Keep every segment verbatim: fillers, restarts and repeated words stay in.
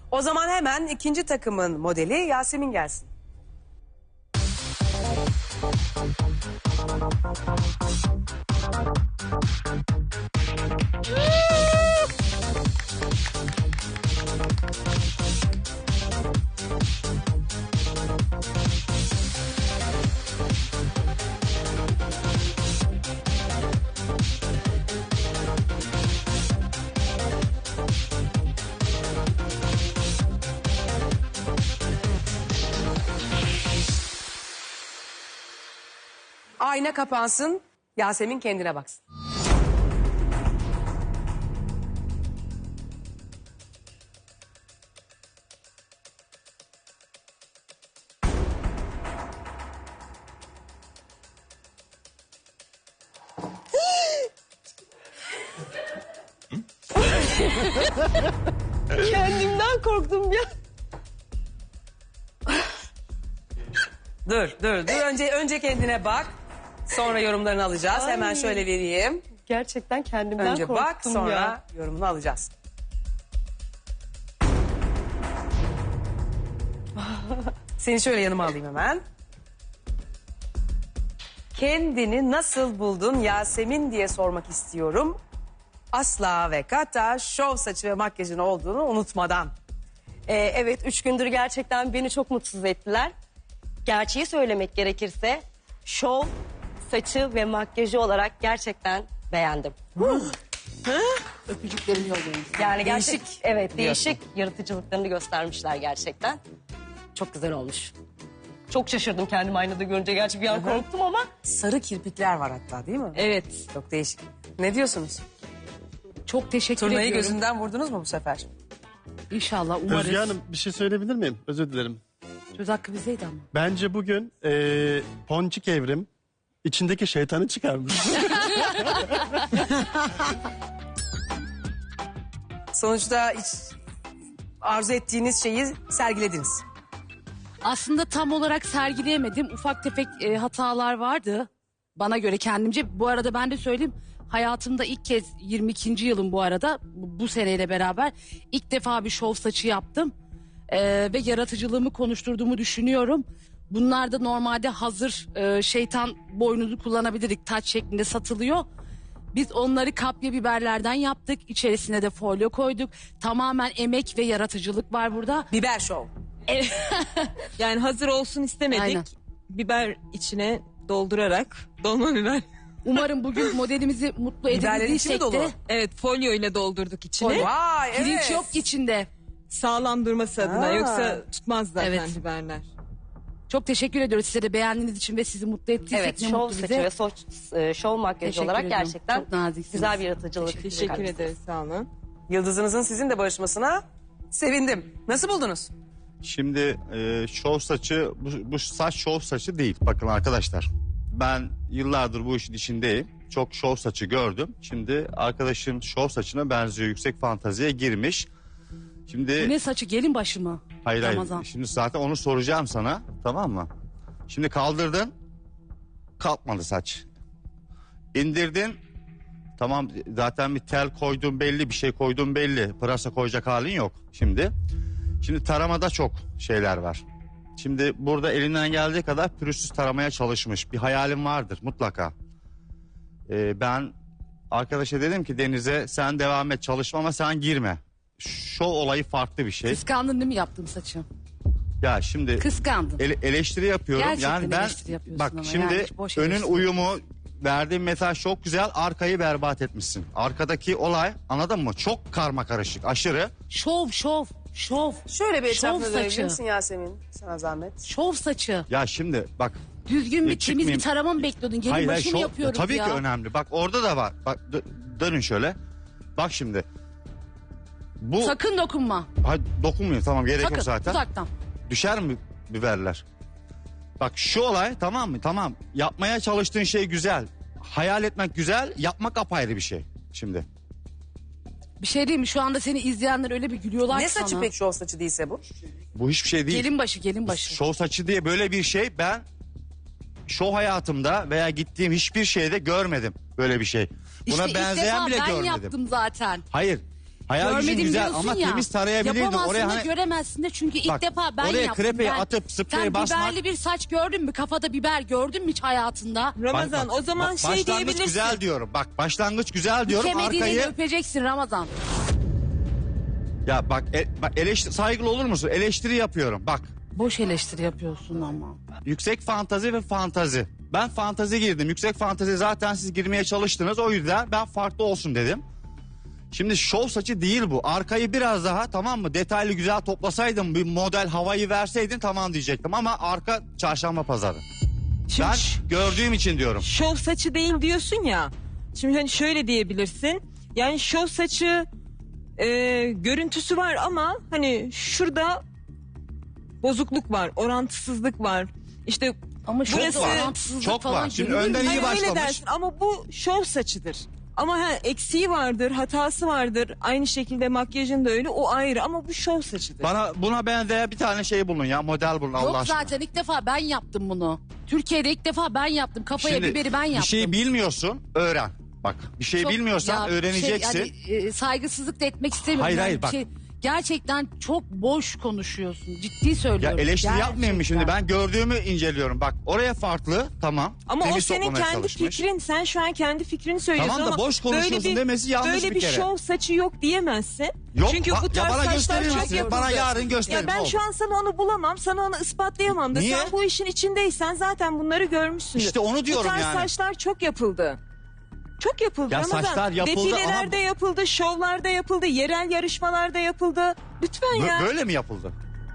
O zaman hemen ikinci takımın modeli Yasemin gelsin. Ayna kapansın, Yasemin kendine baksın. Kendimden korktum ya. Dur, dur, dur. Önce önce kendine bak. Sonra yorumlarını alacağız. Ay. Hemen şöyle vereyim. Gerçekten kendimden Önce korktum bak, sonra ya. yorumunu alacağız. Seni şöyle yanıma alayım hemen. Kendini nasıl buldun Yasemin diye sormak istiyorum. Asla ve kata şov saçı ve makyajın olduğunu unutmadan. Ee, evet üç gündür gerçekten beni çok mutsuz ettiler. Gerçeği söylemek gerekirse şov, saçı ve makyajı olarak gerçekten beğendim. Öpücüklerimi yollayın. Yani gerçek, Değişik evet diyorsun. değişik yaratıcılıklarını göstermişler gerçekten. Çok güzel olmuş. Çok şaşırdım kendimi aynada görünce. Gerçi bir an korktum ama. Sarı kirpikler var hatta, değil mi? Evet. Çok değişik. Ne diyorsunuz? Çok teşekkür Turnayı ediyorum. gözünden vurdunuz mu bu sefer? İnşallah umarız. Özge Hanım bir şey söyleyebilir miyim? Özür dilerim. Söz hakkı bizdeydi ama. Bence bugün eee Ponçik Evrim içindeki şeytanı çıkarmış. Sonuçta hiç arzu ettiğiniz şeyi sergilediniz. Aslında tam olarak sergileyemedim. Ufak tefek e, hatalar vardı. Bana göre kendimce. Bu arada ben de söyleyeyim. Hayatımda ilk kez yirmi ikinci yılım bu arada. Bu, bu seneyle beraber. ilk defa bir şov saçı yaptım. E, ve yaratıcılığımı konuşturduğumu düşünüyorum. Bunlar da normalde hazır e, şeytan boynuzu kullanabilirdik. Taç şeklinde satılıyor. Biz onları kapya biberlerden yaptık. İçerisine de folyo koyduk. Tamamen emek ve yaratıcılık var burada. Biber şov. Yani hazır olsun istemedik. Aynen. Biber içine doldurarak dolma biber. Umarım bugün modelimizi mutlu Biberlerin içi mi edebildiysek dolu? de Evet folyo ile doldurduk içine. Vay evet. pirinç yok içinde. Sağlam durması adına Aa. yoksa tutmaz zaten Evet. biberler. Çok teşekkür ediyoruz size de beğendiğiniz için ve sizi mutlu ettiysek Evet ne şov mutlu saçı bize. ve soç, e, şov makyajı Teşekkür olarak ediyorum. gerçekten Çok naziksiniz. güzel bir yaratıcılık. Teşekkür çıkarmışsınız. ederiz sağ olun. Yıldızınızın sizin de barışmasına sevindim. Nasıl buldunuz? Şimdi e, şov saçı, bu, bu saç şov saçı değil. Bakın arkadaşlar, ben yıllardır bu işin içindeyim. Çok şov saçı gördüm. Şimdi arkadaşım şov saçına benziyor, yüksek fantaziye girmiş. Şimdi Bu ne saçı gelin başı mı? hayır hayır. Ramazan. Şimdi zaten onu soracağım sana, tamam mı? Şimdi kaldırdın, kalkmadı saç. İndirdin, tamam zaten bir tel koydun belli, bir şey koydun belli. Pırasa koyacak halin yok şimdi. Şimdi taramada çok şeyler var. Şimdi burada elinden geldiği kadar pürüzsüz taramaya çalışmış. Bir hayalim vardır mutlaka. Ee, ben arkadaşa dedim ki Deniz'e sen devam et çalışma ama sen girme. Şov olayı farklı bir şey. Kıskandın değil mi yaptığım saçı? Ya şimdi Kıskandın. ele- eleştiri yapıyorum. Gerçekten yani ben eleştiri yapıyorsun bak ama şimdi yani boş önün eleştiri. uyumu verdiğim mesaj çok güzel, arkayı berbat etmişsin. Arkadaki olay, anladın mı? Çok karma karışık, aşırı. Şov şov şov. Şöyle bir Şov etrafına dönebilir saçı. misin Yasemin? Sana zahmet. Şov saçı. Ya şimdi bak Düzgün bir E, temiz çıkmayayım. bir tarama mı bekliyordun? Gelin hayır, hayır, başı mı şov- yapıyoruz tabii ya? ki önemli. Bak orada da var. Bak dö- dönün şöyle. Bak şimdi. Bu Sakın dokunma. Hayır, dokunmuyor tamam gerek Sakın yok zaten. uzaktan. Düşer mi biberler? Bak şu olay tamam mı? Tamam. Yapmaya çalıştığın şey güzel. Hayal etmek güzel, yapmak apayrı bir şey. Şimdi. Bir şey diyeyim mi? Şu anda seni izleyenler öyle bir gülüyorlar Ne ki saçı sana. pek şov saçı değilse bu? Bu hiçbir şey değil. Gelin başı gelin başı. Şov saçı diye böyle bir şey ben şov hayatımda veya gittiğim hiçbir şeyde görmedim böyle bir şey. Buna İşte ilk benzeyen defa bile ben görmedim. yaptım zaten. Hayır. Hayal gücün Görmedim güzel diyorsun ama ya. temiz tarayabilirdin. Yapamazsın Oraya da hani göremezsin de çünkü ilk Bak, defa ben oraya yaptım. krepeyi ben. atıp spreye Sen basmak- biberli bir saç gördün mü? Kafada biber gördün mü hiç hayatında? Ramazan Bak, bak, o zaman bak, şey başlangıç diyebilirsin. güzel diyorum. Bak başlangıç güzel diyorum. Kemediğini Arkayı öpeceksin Ramazan. ya bak, e, bak eleştiri, saygılı olur musun? Eleştiri yapıyorum. Bak Boş eleştiri yapıyorsun ama. yüksek fantazi ve fantazi. Ben fantazi girdim. Yüksek fantazi zaten siz girmeye çalıştınız. O yüzden ben farklı olsun dedim. Şimdi şov saçı değil bu. Arkayı biraz daha tamam mı? Detaylı güzel toplasaydın, bir model havayı verseydin tamam diyecektim. Ama arka çarşamba pazarı. Şimdi Ben ş- gördüğüm için diyorum. şov saçı değil diyorsun ya. Şimdi hani şöyle diyebilirsin. Yani şov saçı e, görüntüsü var ama hani şurada bozukluk var, orantısızlık var. İşte Ama şu Burası- orantısızlık Çok falan var. Şimdi görünür mü? önden iyi hani öyle başlamış. dersin ama bu şov saçıdır. Ama ha, eksiği vardır, hatası vardır. Aynı şekilde makyajın da öyle. O ayrı ama bu şov saçıdır. Bana buna benzeyen bir tane şey bulun ya. Model bulun Allah Yok aşkına. zaten ilk defa ben yaptım bunu. Türkiye'de ilk defa ben yaptım. Kafaya Şimdi biberi ben yaptım. bir şey bilmiyorsun öğren. Bak bir şey Çok- bilmiyorsan ya öğreneceksin. Şey, yani, e, saygısızlık da etmek istemiyorum. Hayır, Yani hayır, bir bak. Şey, gerçekten çok boş konuşuyorsun. Ciddi Ya söylüyorum. eleştiri yapmayayım mı şimdi? Gerçekten. Ben gördüğümü inceliyorum. Bak oraya farklı tamam. Ama o Temiz senin toplamaya kendi çalışmış. fikrin. Sen şu an kendi fikrini söylüyorsun Tamam da ama boş konuşuyorsun böyle bir, demesi yanlış böyle bir bir kere. şov saçı yok diyemezsin. Yok, Çünkü bak- bu ya tarz bana saçlar gösterir çok misin? yapıldı. Bana yarın gösterin, Ya ben oldu. şu an sana onu bulamam. Sana onu ispatlayamam da. Niye? Sen bu işin içindeysen zaten bunları görmüşsündür. İşte onu diyorum Bu tarz yani. saçlar çok yapıldı. Çok yapıldı Ya Ramazan. saçlar yapıldı Defilelerde ama- yapıldı, şovlarda yapıldı, yerel yarışmalarda yapıldı. Lütfen Bö- ya. Böyle mi yapıldı?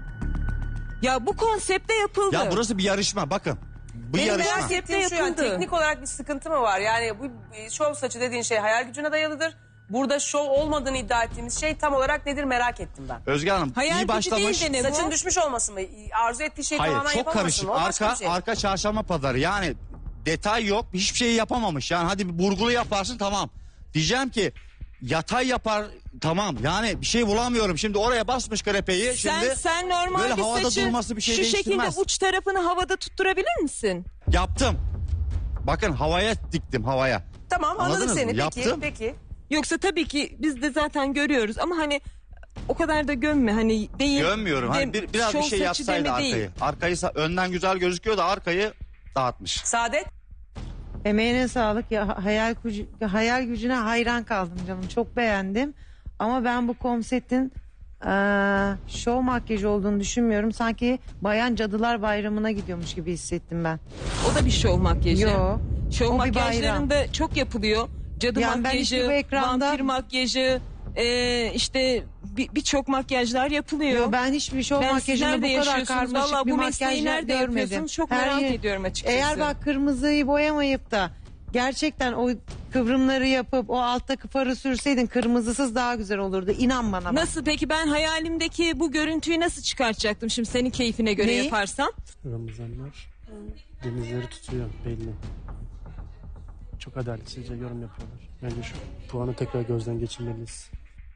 Ya bu konsepte yapıldı. Ya burası bir yarışma bakın. Bu Benim yarışma. merak Merak ettiğim şu yani yapıldı. teknik olarak bir sıkıntı mı var? Yani bu e, şov saçı dediğin şey hayal gücüne dayalıdır. Burada şov olmadığını iddia ettiğimiz şey tam olarak nedir merak ettim ben. Özge Hanım Hayal iyi gücü başlamış. değil de ne Saçın bu? düşmüş olması mı? Arzu ettiği şeyi Hayır tamamen çok yapamaması karışık. mı? O başka Arka bir şey. arka çarşamba pazarı yani detay yok. Hiçbir şeyi yapamamış. Yani hadi bir burgulu yaparsın tamam. Diyeceğim ki yatay yapar tamam. Yani bir şey bulamıyorum. Şimdi oraya basmış krepeyi. Sen, Şimdi sen normal böyle bir havada saçı durması bir şey şu şekilde değiştirmez. uç tarafını havada tutturabilir misin? yaptım. Bakın havaya diktim havaya. Tamam anladık Anladınız mı? seni. Peki, Yaptım. peki. Yoksa tabii ki biz de zaten görüyoruz ama hani o kadar da gömme hani değil. Gömmüyorum. Hani de- bir, biraz şov bir şey saçı yapsaydı deme arkayı. değil. Arkayı sa- önden güzel gözüküyor da arkayı dağıtmış. Saadet. Emeğine sağlık. Ya hayal gücü, hayal gücüne hayran kaldım canım. Çok beğendim. Ama ben bu konseptin eee şov makyajı olduğunu düşünmüyorum. Sanki Bayan Cadılar Bayramı'na gidiyormuş gibi hissettim ben. O da bir şov makyajı. Yo. Şov o bir makyajlarında çok yapılıyor. Cadı Yani ben makyajı, işte bu ekranda- vampir makyajı, e, işte bir- birçok makyajlar yapılıyor. Yo, ben hiçbir şov Ben siz makyajında nerede bu kadar yaşıyorsunuz? karmaşık Vallahi bir bu makyaj mesleği nerede görmedim. yapıyorsunuz? Çok Her merak yer- ediyorum açıkçası. Eğer bak kırmızıyı boyamayıp da gerçekten o kıvrımları yapıp o alttaki farı sürseydin kırmızısız daha güzel olurdu. İnan bana. bak. Nasıl peki ben hayalimdeki bu görüntüyü nasıl çıkartacaktım şimdi senin keyfine göre Neyi? yaparsam? Ramazanlar denizleri tutuyor belli. Çok adaletsizce yorum yapıyorlar. Bence şu puanı tekrar gözden geçirmeliyiz.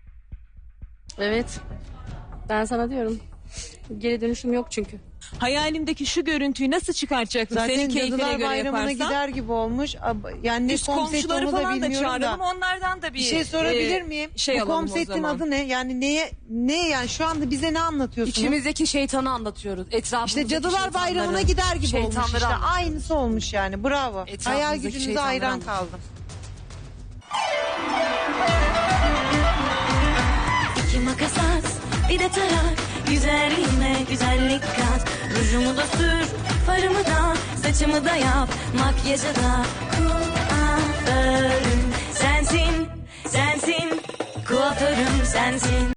Evet. Ben sana diyorum. Geri dönüşüm yok çünkü. Hayalimdeki şu görüntüyü nasıl çıkartacaktım Zaten senin keyfine Cadılar göre Bayramı'na yaparsam? gider gibi olmuş. Ab- Yani ne Üst konsept komşuları onu da falan da bilmiyorum çağıralım da. onlardan da bir, Bir şey sorabilir e, miyim? Şey Bu alalım o konseptin zaman. adı ne? Yani neye ne yani şu anda bize ne anlatıyorsunuz? İçimizdeki şeytanı anlatıyoruz. Etrafımızdaki İşte Cadılar şeytanları, Bayramı'na gider gibi olmuş şeytanları işte. anlatıyoruz. Aynısı olmuş yani. Bravo. Etrafımızdaki Hayal gücünüze şeytanları hayran anlatıyoruz. kaldım. İki makas at, bir de tarak. Güzelliğime güzellik kat. Rujumu da sür, farımı da, saçımı da yap. Makyajı da kuaförüm sensin, sensin. Kuaförüm sensin.